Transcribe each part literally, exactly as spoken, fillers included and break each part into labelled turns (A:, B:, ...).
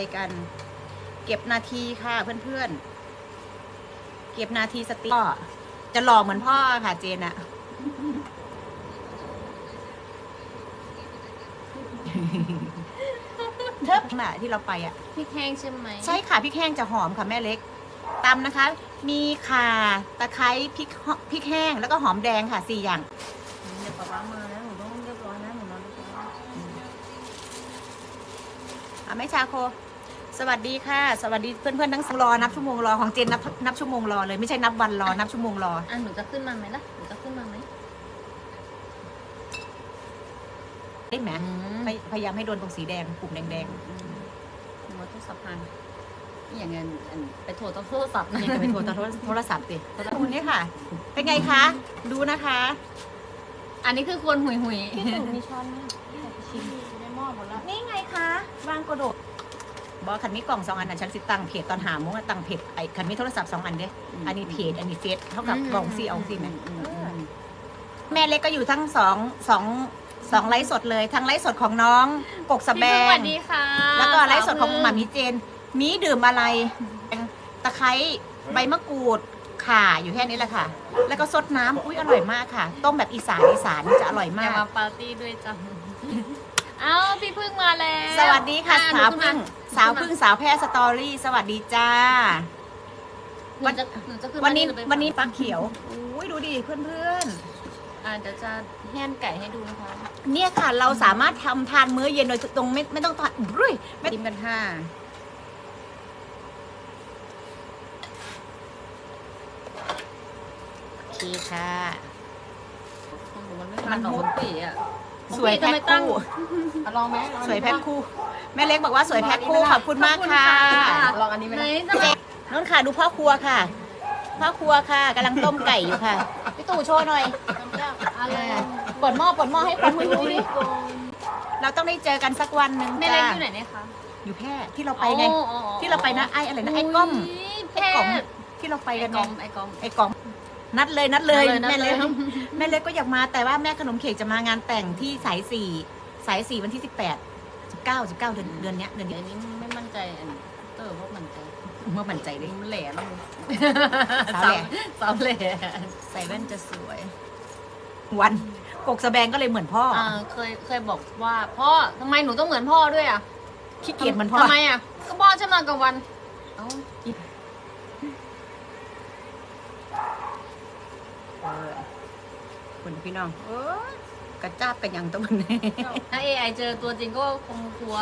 A: กัน เก็บนาทีค่ะเพื่อนๆเก็บนาทีสติก็จะหล่อเหมือนพ่อค่ะเจนอะเทิบน่ะที่เราไปอ่ะ
B: พริกแห้งใช่ไหม
A: ใช่ค่ะพริกแห้งจะหอมค่ะแม่เล็กตำนะคะ มีข่าตะไคร้พริกพริกแห้งแล้วก็หอมแดงค่ะสี่อย่าง
B: เดี๋ยวป๊าป๊ามาแล้วหนูต้องเรียบร้อยนะหนูนอนเรียบร้อย
A: อ่ะแม่ชาโค สวัสดีค่ะ สวัสดีเพื่อนๆทั้งรอนับชั่วโมงรอของเจนนับนับชั่วโมงรอเลยไม่ใช่นับวันรอนับชั่วโมงรอ
B: อ่ะหนูจะขึ้นมาไหมล่ะหนูจะขึ้นมาไหม
A: ได้ไหม
B: อืม
A: พยพยายามให้โดนตรงสีแดงปุ่มแดง
B: หนูว่าทุกสัพพันอย่างเงี้ยอันไปโทรต้องโทรศัพท์
A: ๆ
B: นะ
A: นี่จะไปโทรโทรโทรศัพท์ดิคุณนี่ค่ะ เป็นไงคะดูนะคะ
B: อันนี้คือควรหุยหุย
A: พี่ตู่มีช้อนไหมชิมในหม้อหมดแล้วนี่ไงคะวางกระโดดบอกคันมีกล่องสองอันนะฉันสิตั้งเพจตอนหาโมงตั้งเพจไอ้คันมีโทรศัพท์สองอันเด้อันนี้เพจอันนี้เฟซเท่ากับกล่องซีเอาซีไหมแม่เล็กก็อยู่ทั้งสองสองสองไลฟ์สดเลยทั้งไลฟ์สดของน้องกกสแบ
B: พี่พึ่งส
A: ง
B: วัสดีค่ะ
A: แล้วก็ไลฟ์สดของหมามีเจน มีดื่มอะไรตะไคร้ใบมะกรูดข่าอยู่แค่นี้แหละค่ะ แล้วก็ซดน้ำอุ้ยอร่อยมากค่ะ ต้มแบบอีสานอีสานนี่จะอร่อย
B: อ
A: มา
B: ย่าก มาปาร์ตี้ด้วยจ้ะเอ้าพี่พึ่งมาแล้ว
A: สวัสดีค่ะ
B: อ่
A: สาว
B: หนู
A: พึ่ง
B: ขึ้นม
A: สาวพึ่งสาวแพร่สตอรี่สวัสดีจ้า
B: หนูจะหนูจะขึ้น
A: วันนี้
B: มาหรือไป
A: วันนี้ปลาเขียวอุ้ยดูดิเพื่อนเพื่อน
B: อ่าเดี๋ยวจะแห้นไก่ให้ดูนะคะ
A: ๆเนี่ยค่ะเราสามารถทำทานมื้อเย็นโดยตรงไม่ไม่ต้องทานรุ่ยไม่ติมกันค่ะโอเคค่ะ
B: ของหนูมันไม่ทานหรอกมันปีอ่ะ
A: สวยแพ็ค
B: ทำไมตั้ง
A: คู่
B: อ่ะลองไหมลอง
A: สวยแพ็คคู่แม่เล็กบอกว่าสวยแพ็คคู่ขอบคุณมากค่ะ
B: ลองอันนี้ไหม
A: เจ๊น้นค่ะดูพ่อครัวค่ะพ่อครัวค่ะกำลังต้มไก่อยู่ค่ะพี่ตู่โชว์หน่อย
B: อะไร
A: เปิดหม้อเปิดหม้อให้คนดูดิเราต้องได้เจอกันสักวันหนึ่ง
B: แม่
A: จ้า
B: เล็กอยู่ไหนเนี่ยคะ
A: อยู่แพร่ที่เราไปไง
B: อ๋ออ๋ออ๋อ
A: ที่เราไปนะไอ้อะไรนะไอ้ก้อม
B: แพร่
A: ไอ้กล่อมที่เราไป
B: ไอ้
A: กัน
B: ก
A: ไง
B: อมไอ้กอม
A: ไอ้กล่อมนัดเลยนัดเลย
B: นัดเลย
A: แม่เล็ก
B: นัดเลย
A: แม่เล็กก็อยากมาแต่ว่าแม่ขนมเค้กจะมางานแต่งที่สายสี่สายสี่วันที่สิบแปดสิบเก้าสิบเก้าเดือนเดือนเนี้ยเดือน
B: เดี๋
A: นี้
B: ยวนี้ไม่มั่นใจอันเตอร์ว่ามั่นใจ
A: เมื่อมั่นใจเลย
B: มันแหล่แล้ว
A: สาวแหล่
B: สาวแหล่
A: ใส่แว่นจะสวย วันกกสะแบงก็เลยเหมือนพ่อ
B: อ่าเคยเคยบอกว่าพ่อทำไมหนูต้องเหมือนพ่อด้วยอ่ะ
A: ขี้เกียจเหมือนพ่อ
B: ทำไมอ่ะก็พ่อฉันนอนกลางวันเอ้า
A: เออคุณพี่น้องเออกระจ้าบกันยังตัวนี้
B: ถ้าเอไอเจอตัวจริงก็คงกลัว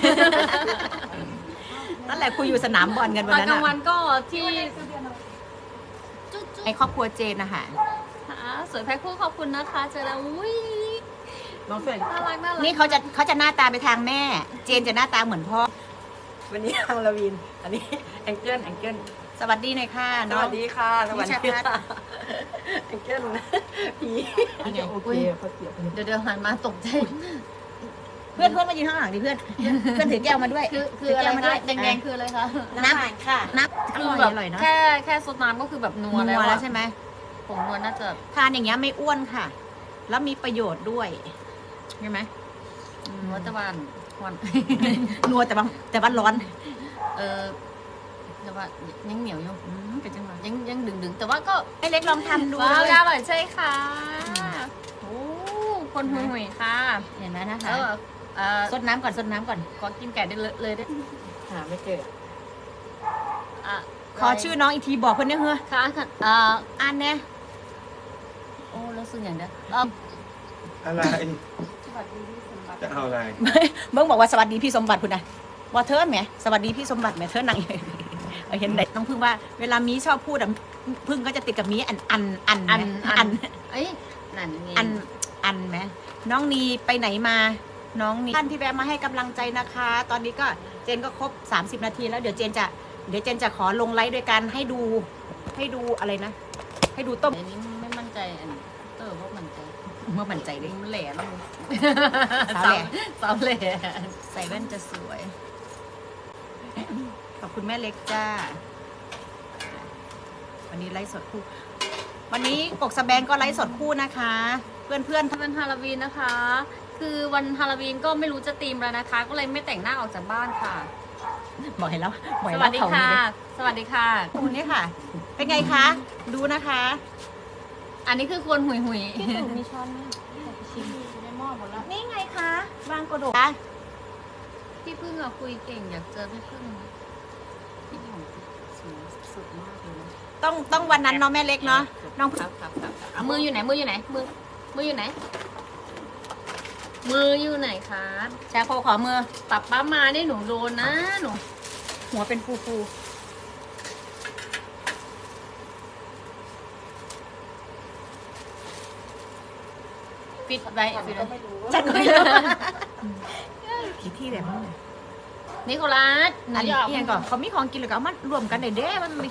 A: นั่นแหละคุยอยู่สนามบอลกัน
B: ต
A: วั
B: อน น
A: นั้น
B: กลางวั
A: อะ
B: นก็ที่จุ๊จุ๊
A: ในครอบครัวเจนนะคะ
B: สวยแพ็คคู่ขอบคุณนะคะเจอแล้วอุ้ย
C: น้องเฟิร์น
B: น่ารักน่ารัก
A: นี่เขาจะเขาจะหน้าตาไปทางแม่ เจนจะหน้าตาเหมือนพ่อ
C: วันนี้ทางลาวิน อันนี้แองเจิลแองเจิล
A: สวัสดีหน่อยค่ะ
C: ส
A: น้อง
C: วัสดีค่ะสวัสดี
A: พี่ชัด
C: ค่ะแองเจิลผี
A: นี่ไง
C: โอเคเขาเสียบ
B: เดี๋ยวเดี๋ยวหันมาตกใจ
A: เพื่อนเพื่อนมายืนข้างหลังดิเพื่อน เพื่อนถือแก้วมาด้วย
B: คือคือ
A: ถื
B: อะไร
A: แก้วมาด้
B: คะ
A: วย
B: แดงๆคืออะไรคะ
A: น้ำค่ะน้ำอ
B: คือ
A: ร่อย
B: แบบ
A: อร่อยเนาะ
B: แค่แค่ซดน้ำก็คือแบบนัว
A: นั
B: แล้ว
A: ว
B: อะ
A: แล้วใช่ไหม
B: ผงนัวน่าจะ
A: ทานอย่างเงี้ยไม่อ้วนค่ะ แล้วมีประโยชน์ด้วยใช่ไหมอืม
B: นัวตะวันวัน
A: นัวแต่ว่าแต่ว่าร้อน
B: เออแต่ว่ายังเหนียวอยู่
A: อืมเป็นจังหวะ
B: ยังยังดึงดึงๆแต่ว่าก็
A: ไอ้เล็กลองทำดู
B: ว้าว
A: เลย
B: อร่อยใช่ค่ะโอ้คนหุยหุยๆค่ะ
A: เห็นไหมนะ
B: เอ
A: คะ
B: อเออ
A: ซดน้ำก่อนซดน้ำก่อน
B: ขอกินไก่ได้เลยเลยได้
C: หาไม่เจอ
B: อ่ะ
A: ขอชื่อน้องอีกทีบอกเพื่อนเนี่ยเฮ้อ
B: ค่ะค่ะเอ่อ
A: อ่านแน่
B: โอ้รู้สึกอย่างเดียวเออ
D: อะไร จะเอาอะไร
A: เบิ้งบอกว่าสวัสดีพี่สมบัติคุณนะว่าเธอไหมสวัสดีพี่สมบัติไหมเธอนั่งอยู่เออเห็นไหนต้องพึ่งว่าเวลามีชอบพูดอะพึ่งก็จะติดกับมีอันอันอัน
B: อัน
A: ไหม
B: อั
A: อั
B: น
A: น
B: เอ้ยนั่นไง
A: อันอันไหมน้องนีไปไหนมา น้องนีท่านที่แวะมาให้กำลังใจนะคะ ตอนนี้ก็เจนก็ครบสามสิบนาทีแล้วเดี๋ยวเจนจะเดี๋ยวเจนจะขอลงไลฟ์ด้วยกันให้ดูให้ดูอะไรนะ ให้ดูต้ม
B: เดี๋ยวนี้ไม่มั่นใจอันเตอร์ว่ามั่นใจ
A: เมื่อมั่นใจเลย
B: มันแหล่แล้ว
A: สาวแหล่
B: สาวแหล่
A: ใส่แว่นจะสวย ขอบคุณแม่เล็กจ้า วันนี้ไลฟ์สดคู่ วันนี้กกสะแบงก็ไลฟ์สดคู่นะคะ เพื่อนเพื่อน
B: ถ้าเป็นฮาโลวีนนะคะ คือวันฮาโลวีนก็ไม่รู้จะธีมแล้วนะคะ ก็เลยไม่แต่งหน้าออกจากบ้านค่ะ
A: บอกให้แล้วบอก
B: ส
A: ให้
B: วั
A: แล้
B: สดี
A: เขา
B: ค่ะ
A: นี่
B: สวัสดีค่ะ
A: คุณนี่ค่ะ เป็นไงคะ ดูนะคะ
B: อันนี้คือควรหุยหุย
A: พี่ตู่มีช้อนไหมชิมอยู่ในหม้อหมดแล้ว นี่ไงคะวางกระโดด
B: พี่พึ่งอะคุยเก่งอยากเจอพี่พึ่งพี่ของสุดมากเลยนะ
A: ต้องต้องวันนั้นเนาะแม่เล็กเนาะ น้อง
B: ครับครับครับเอามืออยู่ไหนมืออยู่ไหนมือมืออยู่ไหน มืออยู่ไหนครับ
A: แชร์โคขอมือ
B: ปับป้ามาได้หนูโดนนะหนู
A: หัวเป็นฟูฟู
B: ปิดไว้ปิดไว้
A: จัดไม่รู้กี่ที่เลยมั้งเนี่ย
B: นิโคลัสหนู
A: อัน
B: จะ
A: นี้
B: ออก
A: เอียงก่อนเขามีของกินหรือก็เอามารวมกันได้เด้มันมี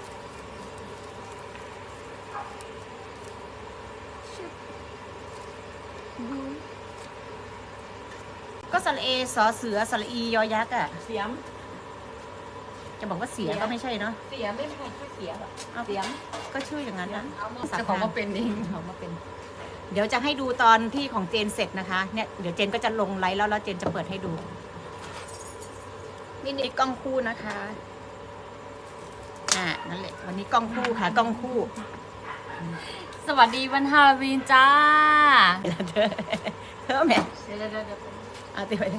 A: ก็สระเอสอเสือสระอียอยักษ์อ่ะ
C: เสียม
A: จะบอกว่าเสียก็ไม่ใช่เนาะ
C: เสียมไม่มีใครช่วยเสียหรอก
A: เอา
C: เสียม
A: ก็ชื่ออย่างนั้นนะ
C: เอามา
B: เจะของมาเป็นเอง
A: เขามาเป็น เดี๋ยวจะให้ดูตอนที่ของเจนเสร็จนะคะ เนี่ยเดี๋ยวเจนก็จะลงไลฟ์แล้วแล้วเจนจะเปิดให้ดูนี่นี่กล้องคู่นะคะ อ่านั่นแหละ วันนี้กล้องคู่ค่ะกล้องคู่
B: สวัสดีวันฮาโลวีนจ้า
A: เธอเธอแม่
B: เดี๋ยวเดี๋ยวเดี๋ยวเดี๋ยว
A: เอาติดไปเลย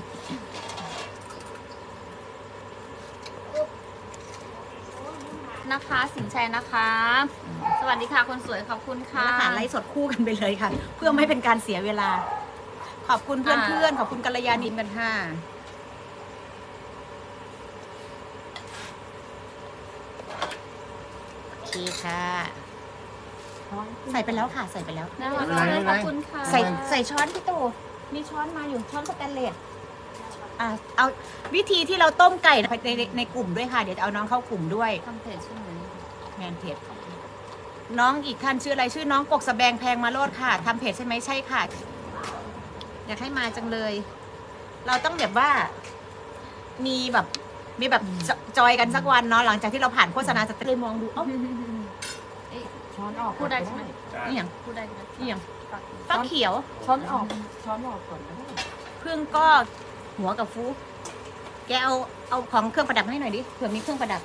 B: นะคะ สินชัยนะคะ สวัสดีค่ะคนสวยขอบคุณค่ะ
A: แล้วหาไลฟ์สดคู่กันไปเลยค่ะ เพื่อไม่เป็นการเสียเวลา ขอบคุณเพื่อนๆ ขอบคุณกัลยาณินกันค่ะ โอเคค่ะ ใส่ไปแล้วค่ะ ใส่ไปแล้ว
B: น่ารักมากเลยขอบคุณค่ะ
A: ใส่ใส่ช้อนพี่ตู่มีช้อนมาอยู่ช้อนสแตนเลสอ่ะเอาวิธีที่เราต้มไก่ในในในกลุ่มด้วยค่ะ เดี๋ยวจะเอาน้องเข้ากลุ่มด้วย
B: ทำเพจใช่ไหม
A: แมนเพจน้องอีกท่านชื่ออะไรชื่อน้องกกสะแบงแพงมาโลดค่ะทำเพจใช่ไหมใช่ค่ะ อยากให้มาจังเลย เราต้องแบบว่า มีแบบมีแบบจจอยกันสักวันเนาะหลังจากที่เราผ่านโฆษณาสเตเลยมองดูเอ้า
B: เอ๊ะ
C: ช้อนออก
B: พูดได้ใช่ไหม
A: นี่อย่าง
B: พูดได้ใช่ไหม
A: นี่อย่างฟักเขียว
C: ช้อนออกช้อนออกก่อนนะ
A: พึ่งก็หัวกับฟูแกเอาเอาของเครื่องประดับมาให้หน่อยดิเผื่อมีเครื่องประดับ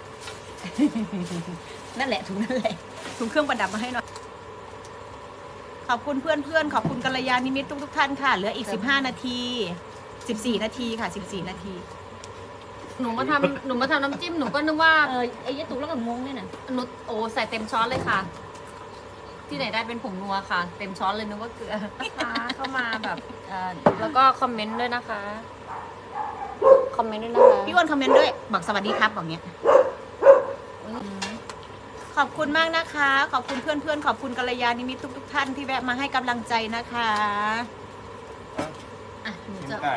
A: นั่นแหละถุงนั่นแหละถุงเครื่องประดับมาให้หน่อย ขอบคุณเพื่อนเพื่อนๆขอบคุณกัลยาณิมิตทุกทุกๆท่านค่ะ เหลืออีกสิบห้านาทีสิบสี่นาทีค่ะสิบสี่นาที
B: หนูมาทำหนูมาทำน้ำจิ้มหนูก็นึกว่า
A: เออไอ้ยะตุกแล้วก็งงเนี่ยนะ
B: หนูโอ้ใส่เต็มช้อนเลยค่ะ ที่ไหนได้เป็นผงนัวค่ะ เต็มช้อนเลยนึกว่าเกลือนะคะเข้ามาแบบเอ่อแล้วก็คอมเมนต์ด้วยนะคะคอมเมนต์ด้วยนะคะ
A: พี่อ้วนคอมเมนต์ด้วยบอกสวัสดีครับบอกเงี้ยขอบคุณมากนะคะ ขอบคุณเพื่อนเพื่อนๆขอบคุณกัลยาณิมิตทุกทุกๆท่านที่แวะมาให้กำลังใจนะคะ
B: อ่ะหนู
D: กิน
B: จะ
D: ไก่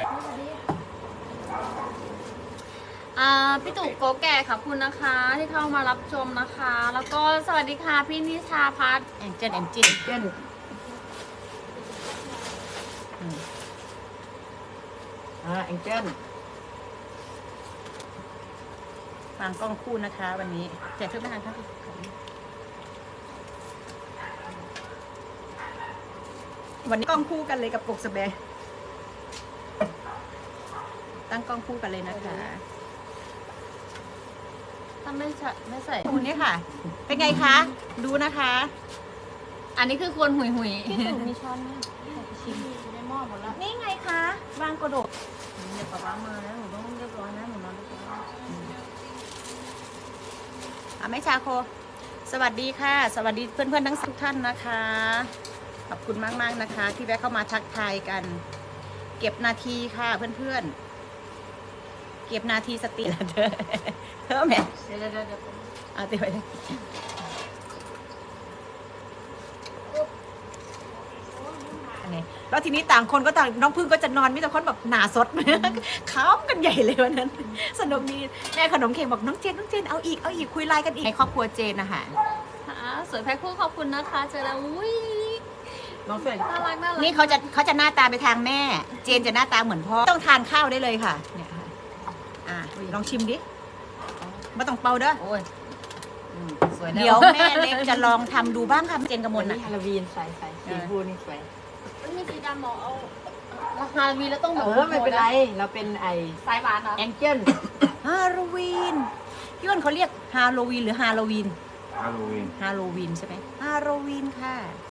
B: อ่าพี่ตู่โกแก่ขอบคุณนะคะ ที่เข้ามารับชมนะคะ แล้วก็สวัสดีค่ะพี่นิชาพัฒน์
A: แองเจิลแองเจิล
C: เจ้นอ่าแองเจิล
A: วางกล้องคู่นะคะ วันนี้แจกเครื่องประทานครับวันนี้กล้องคู่กันเลยกับกกสะแบงตั้งกล้องคู่กันเลยนะคะ
B: ถ้าไม่ใส่ไม่ใส่
A: คุณนี่ค่ะ เป็นไงคะ ดูนะคะ
B: อันนี้คือควรหุยหุย
A: พี่ตู่มีช้อนไหมชิมอยู่ในหม้อหมดแล้ว นี่ไงคะวางกระโดด
B: เดี๋ยวป๊าป๊ามาแล้วหนูต้องเรียบร้อยนะหนูนอนเรียบร้อย
A: อ่ะแม่ชาโค สวัสดีค่ะ สวัสดีเพื่อนๆทั้งสิบท่านนะคะ ขอบคุณมากๆนะคะ ที่แวะเข้ามาทักทายกัน เก็บนาทีค่ะเพื่อนๆ เก็บนาทีสตินะเธอ เธอแม่
B: เดี๋ยวเดี๋ยวเดี๋ยว
A: เอาติดไปเลยอันนี้แล้วทีนี้ต่างคนก็ต่างน้องพึ่งก็จะนอนมิแต่คนแบบหนาสด ค้ำกันใหญ่เลยวันนั้น สนุกดีแม่ขนมเค้กบอกน้องเจนน้องเจนเอาอีกเอาอีกคุยไลน์กันอีกในครอบครัวเจนนะคะ
B: อ่าสวยแพ็คคู่ขอบคุณนะคะเจอแล้วอุ้ย
C: น้องเฟรน
B: น่ารักน่ารัก
A: นี่เขาจะเขาจะหน้าตาไปทางแม่ เจนจะหน้าตาเหมือนพ่อต้องทานข้าวได้เลยค่ะเนี่ยค่ะอ่ะลองชิมดิไม่ต้องเป่าเด้อ
B: โอ้ยอืมสวยแล้ว
A: เดี๋ยวแม่เล็กจะลองทำดูบ้างค่ะเจนกระม
C: วั
A: ล
C: นนี้
A: น่ะ
C: ฮาโลวีนใส่ใส่สีฟูนี่สวย
B: ไม่มีสีดำหมอเอาราคามีแล้วต้องแบ
C: เอบ อไม่เป็นไรเราเป็นไอ
B: สายหวานเหรอ
C: แองเจิล
A: ฮาโลวีนพี่อ้วนเขาเรียกฮาโลวีนหรือฮาโลวีน
D: ฮาโลวีน
A: ฮาโลวีนใช่ไหมฮาโลวีนค่ะ